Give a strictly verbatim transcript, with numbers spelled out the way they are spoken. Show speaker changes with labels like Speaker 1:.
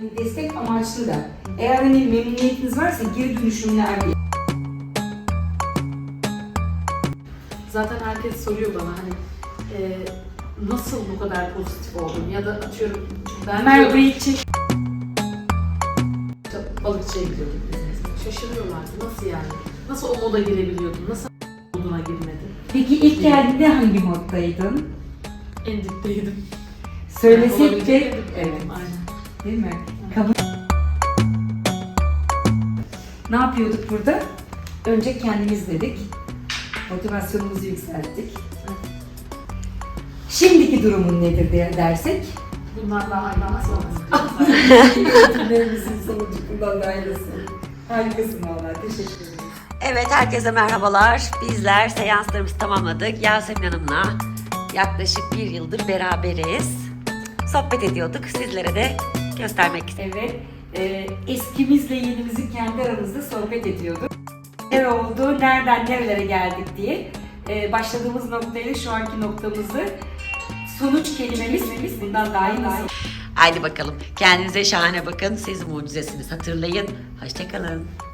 Speaker 1: hani destek amaçlı da. Eğer hani memnuniyetiniz varsa geri dönüşümler diye.
Speaker 2: Zaten herkes soruyor bana hani e, nasıl bu kadar pozitif oldun ya da atıyorum ben
Speaker 1: Ömer
Speaker 2: diyorum,
Speaker 1: burayı çek.
Speaker 2: işte balıkçıya gidiyorduk biz mesela. Şaşırıyorlardı nasıl yani? Nasıl o moda girebiliyordun? Nasıl moduna girmedin?
Speaker 1: Peki ilk geldiğinde hangi moddaydın?
Speaker 2: En dipteydim.
Speaker 1: Söylesek
Speaker 2: Yani
Speaker 1: de
Speaker 2: olabilecek en
Speaker 1: evet.
Speaker 2: dipteydim, aynen.
Speaker 1: Değil mi? Kabul. Ne yapıyorduk burada? Önce kendimiz dedik. Motivasyonumuzu yükselttik. Şimdiki durumun nedir diye dersek?
Speaker 2: Bundan daha ayrı nasıl olmaz?
Speaker 1: Eğitimlerimizin sonucu bundan da ayrılsın. Harikasın valla. Teşekkür ederim.
Speaker 3: Evet, herkese merhabalar. Bizler seanslarımızı tamamladık. Yasemin Hanım'la yaklaşık bir yıldır beraberiz. Sohbet ediyorduk. Sizlere de göstermek istedim.
Speaker 1: Evet, e, eskimizle yenimizi kendi aramızda sohbet ediyorduk. Ne oldu, nereden nerelere geldik diye e, başladığımız noktayla şu anki noktamızı sonuç kelimemiz bundan daha iyi nasıl?
Speaker 3: Haydi bakalım. Kendinize şahane bakın. Siz mucizesiniz. Hatırlayın. Hoşça kalın.